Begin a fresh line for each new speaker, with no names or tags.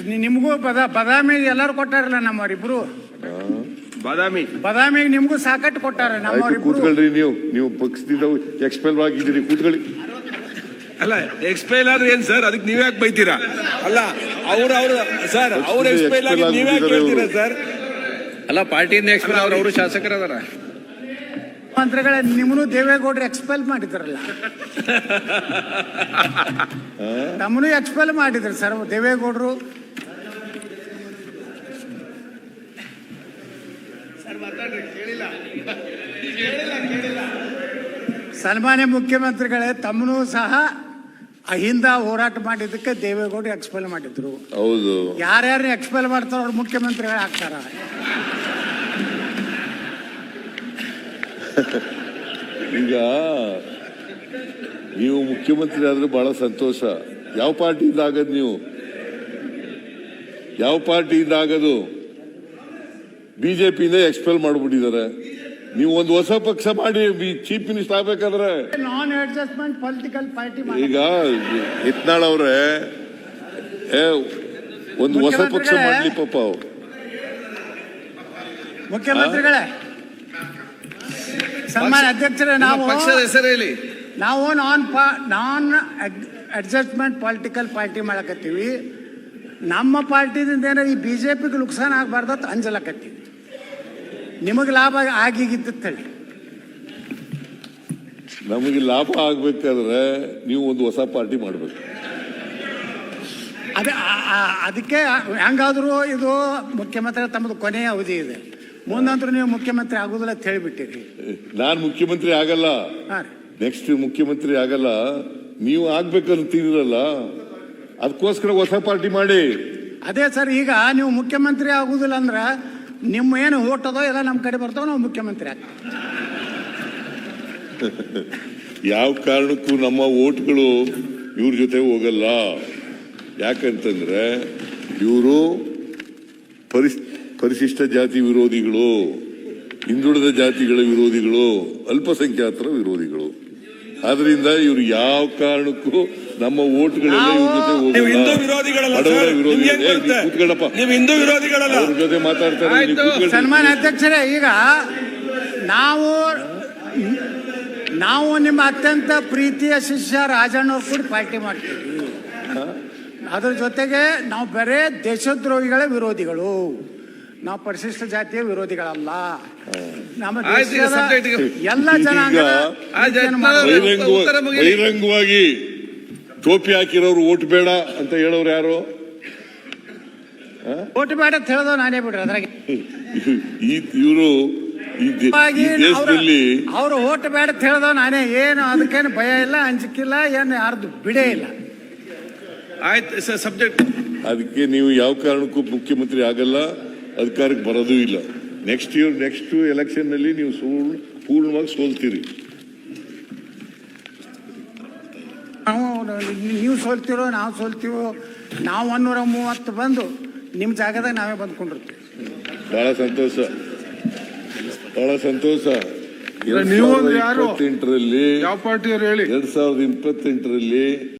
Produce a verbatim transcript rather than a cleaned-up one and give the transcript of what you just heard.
ನಿಮಗೂ ಬದ ಬದಾಮಿ ಎಲ್ಲರೂ ಕೊಟ್ಟಾರಲ್ಲ ನಮ್ಮವರಿಬ್ರು.
ಬಾದಾಮಿ
ಬದಾಮಿಗೆ ನಿಮಗೂ ಸಾಕಟ್ಟು ಕೊಟ್ಟಾರ ನಮ್ಮವರಿಬ್ರು.
ಕೂತ್ಕೊಳ್ರಿ, ನೀವು ನೀವು ಪಕ್ಷದಿಂದ ಎಕ್ಸ್ಪೆಲ್ ಆಗಿದ್ದೀರಿ, ಕೂತ್ಕೊಳ್ಳಿ.
ಅಲ್ಲ ಎಕ್ಸ್ಪೈಲ್ ಆದ್ರೆ ಏನ್ ಸರ್, ಅದಕ್ಕೆ ನೀವ್ ಯಾಕೆ ಬೈತೀರಾ? ಅಲ್ಲ ಅವ್ರ ಅವ್ರ ಸರ್ ಅವ್ರ ಎಕ್ಸ್ಪೈಲ್ ಆಗಿ ನೀವ್ ಯಾಕೆ ಹೇಳ್ತೀರಾ ಸರ್?
ಅಲ್ಲ ಪಾರ್ಟಿಯಿಂದ ಎಕ್ಸ್ಪೈಲ್ ಅವ್ರ ಅವರು ಶಾಸಕರದಾರ.
ಮಂತ್ರಿಗಳ ನಿಮ್ಮನ್ನು ದೇವೇಗೌಡರು ಎಕ್ಸ್ಪೆಲ್ ಮಾಡಿದ್ರಲ್ಲ, ನಮ್ಮನ್ನು ಎಕ್ಸ್ಪೆಲ್ ಮಾಡಿದ್ರು ಸರ್ ದೇವೇಗೌಡರು. ಸನ್ಮಾನ್ಯ ಮುಖ್ಯಮಂತ್ರಿಗಳೇ, ತಮ್ಮನೂ ಸಹ ಅಹಿಂದ ಹೋರಾಟ ಮಾಡಿದ್ದಕ್ಕೆ ದೇವೇಗೌಡರು ಎಕ್ಸ್ಪೆಲ್ ಮಾಡಿದ್ರು.
ಹೌದು,
ಯಾರ್ಯಾರು ಎಕ್ಸ್ಪೆಲ್ ಮಾಡ್ತಾರೋ ಅವ್ರು ಮುಖ್ಯಮಂತ್ರಿಗಳು ಆಗ್ತಾರ.
ಈಗ ನೀವು ಮುಖ್ಯಮಂತ್ರಿ ಆದ್ರೆ ಬಹಳ ಸಂತೋಷ. ಯಾವ ಪಾರ್ಟಿಯಿಂದ ಆಗದು? ನೀವು ಯಾವ ಪಾರ್ಟಿಯಿಂದ ಆಗದು? ಬಿಜೆಪಿಯಿಂದ ಎಕ್ಸ್ಪೆಲ್ ಮಾಡ್ಬಿಟ್ಟಿದ್ದಾರೆ. ನೀವು ಒಂದು ಹೊಸ ಪಕ್ಷ ಮಾಡಿ ಚೀಫ್ ಮಿನಿಸ್ಟರ್ ಆಗ್ಬೇಕಾದ್ರೆ
ನಾನ್ ಅಡ್ಜಸ್ಟ್ಮೆಂಟ್ ಪೊಲಿಟಿಕಲ್ ಪಾರ್ಟಿ.
ಈಗ ಯತ್ನಾಳ್ ಅವ್ರೆ ಒಂದು ಹೊಸ ಪಕ್ಷ ಮಾಡ್ಲಿ ಪಾಪ. ಅವ್ರು
ಮುಖ್ಯಮಂತ್ರಿಗಳೇ, ಸನ್ಮಾನ್ಯ ಅಧ್ಯಕ್ಷರೇ, ನಾವು
ಪಕ್ಷದ ಹೆಸರು ಹೇಳಿ.
ನಾವು ನಾನ್ ನಾನ್ ಅಡ್ಜಸ್ಟ್ಮೆಂಟ್ ಪೊಲಿಟಿಕಲ್ ಪಾರ್ಟಿ ಮಾಡಕತ್ತೀವಿ. ನಮ್ಮ ಪಾರ್ಟಿದಿಂದ ಏನಾರ ಈ ಬಿಜೆಪಿಗೆ ನುಕ್ಸಾನ ಆಗಬಾರ್ದು ಅಂಜಲಕತ್ತೀವಿ. ನಿಮಗೆ ಲಾಭ ಆಗಿಗಿತ್ತು ಹೇಳಿ.
ನಮಗೆ ಲಾಭ ಆಗ್ಬೇಕಾದ್ರೆ ನೀವು ಒಂದು ಹೊಸ ಪಾರ್ಟಿ ಮಾಡ್ಬೇಕು.
ಅದೇ ಅದಕ್ಕೆ ಹೆಂಗಾದ್ರು ಇದು ಮುಖ್ಯಮಂತ್ರಿ ತಮ್ಮದು ಕೊನೆಯ ಅವಧಿ ಇದೆ, ಮುಂದಂತರೂ ನೀವು ಮುಖ್ಯಮಂತ್ರಿ ಆಗುದಿಲ್ಲ ಅಂತ ಹೇಳಿಬಿಟ್ಟಿರಿ.
ನಾನ್ ಮುಖ್ಯಮಂತ್ರಿ ಆಗಲ್ಲ, ನೆಕ್ಸ್ಟ್ ಮುಖ್ಯಮಂತ್ರಿ ಆಗಲ್ಲ. ನೀವು ಆಗ್ಬೇಕಂತೀರಲ್ಲ, ಅದಕ್ಕೋಸ್ಕರ ಹೊಸ ಪಾರ್ಟಿ ಮಾಡಿ.
ಅದೇ ಸರ್, ಈಗ ನೀವು ಮುಖ್ಯಮಂತ್ರಿ ಆಗುದಿಲ್ಲ ಅಂದ್ರ ನಿಮ್ಮ ಏನು ಓಟ್ ಅದೋ ಎಲ್ಲ ನಮ್ಮ ಕಡೆ ಬರ್ತಾವ, ನಾವು ಮುಖ್ಯಮಂತ್ರಿ ಆಗ್ತೀವಿ.
ಯಾವ ಕಾರಣಕ್ಕೂ ನಮ್ಮ ಓಟ್ಗಳು ಇವ್ರ ಜೊತೆ ಹೋಗಲ್ಲ. ಯಾಕಂತಂದ್ರೆ ಇವರು ಪರಿಸ್ ಪರಿಶಿಷ್ಟ ಜಾತಿ ವಿರೋಧಿಗಳು, ಹಿಂದುಳಿದ ಜಾತಿಗಳ ವಿರೋಧಿಗಳು, ಅಲ್ಪಸಂಖ್ಯಾತರ ವಿರೋಧಿಗಳು. ಆದ್ರಿಂದ ಇವ್ರು ಯಾವ ಕಾರಣಕ್ಕೂ ನಮ್ಮ ಓಟ್ಗಳೆಲ್ಲ ಇವ್ರ ಜೊತೆ ಹೋಗಲ್ಲ. ಕೂತ್ಕೊಳ್ಳಪ್ಪ, ಅವ್ರ ಜೊತೆ ಮಾತಾಡ್ತಾರೆ.
ಸನ್ಮಾನ್ಯ ಅಧ್ಯಕ್ಷರೇ, ಈಗ ನಾವು ನಾವು ನಿಮ್ಮ ಅತ್ಯಂತ ಪ್ರೀತಿಯ ಶಿಷ್ಯ ರಾಜಣ್ಣವ್ರು ಕೂಡ ಪಾರ್ಟಿ ಮಾಡ್ತೀವಿ. ಅದ್ರ ಜೊತೆಗೆ ನಾವು ಬರೇ ದೇಶದ್ರೋಹಿಗಳ ವಿರೋಧಿಗಳು, ನಾವು ಪರಿಶಿಷ್ಟ ಜಾತಿಯ ವಿರೋಧಿಗಳಲ್ಲ. ನಮ್ಮ ಎಲ್ಲ ಜನಾಂಗದ
ಬಹಿರಂಗವಾಗಿ ಟೋಪಿ ಹಾಕಿರೋರು ಓಟ್ ಬೇಡ ಅಂತ ಹೇಳೋರು ಯಾರು?
ಓಟ್ ಬೇಡ ಅಂತ ಹೇಳೋದು ನಾನೇ ಬಿಡ್ರಿ. ಅದ್ರಾಗ
ಇವರು ದೇಶದಲ್ಲಿ
ಅವ್ರು ಓಟ್ ಬೇಡ ಅಂತ ಹೇಳೋದು ನಾನೇ. ಏನು ಅದಕ್ಕೇನು ಭಯ ಇಲ್ಲ, ಅಂಜಿಕಿಲ್ಲ, ಏನು ಯಾರ್ದು ಬಿಡೇ ಇಲ್ಲ.
ಆಯ್ತು ಸಬ್ಜೆಕ್ಟ್.
ಅದಕ್ಕೆ ನೀವು ಯಾವ ಕಾರಣಕ್ಕೂ ಮುಖ್ಯಮಂತ್ರಿ ಆಗಲ್ಲ, ಅಧಿಕಾರಕ್ಕೆ ಬರೋದೂ ಇಲ್ಲ. ನೆಕ್ಸ್ಟ್ ಇಯರ್ ನೆಕ್ಸ್ಟ್ ಎಲೆಕ್ಷನ್ ನಲ್ಲಿ ನೀವು ಸೋಲ್ ಪೂರ್ಣವಾಗಿ ಸೋಲ್ತೀರಿ.
ನಾವು ನೀವು ಸೋಲ್ತಿರೋ ನಾವು ಸೋಲ್ತೀವೋ, ನಾವು ಒನ್ನೂರ ಮೂವತ್ತು ಬಂದು ನಿಮ್ಮ ಜಾಗದಾಗ ನಾವೇ ಬಂದ್ಕೊಂಡಿರ್ತೀವಿ.
ಬಹಳ ಸಂತೋಷ, ಬಹಳ ಸಂತೋಷ.
ನೀವು ಇಪ್ಪತ್ತೆಂಟರಲ್ಲಿ
ಯಾವ ಪಾರ್ಟಿಯವರು ಹೇಳಿ? ಎರಡ್ ಸಾವಿರದ ಇಪ್ಪತ್ತೆಂಟರಲ್ಲಿ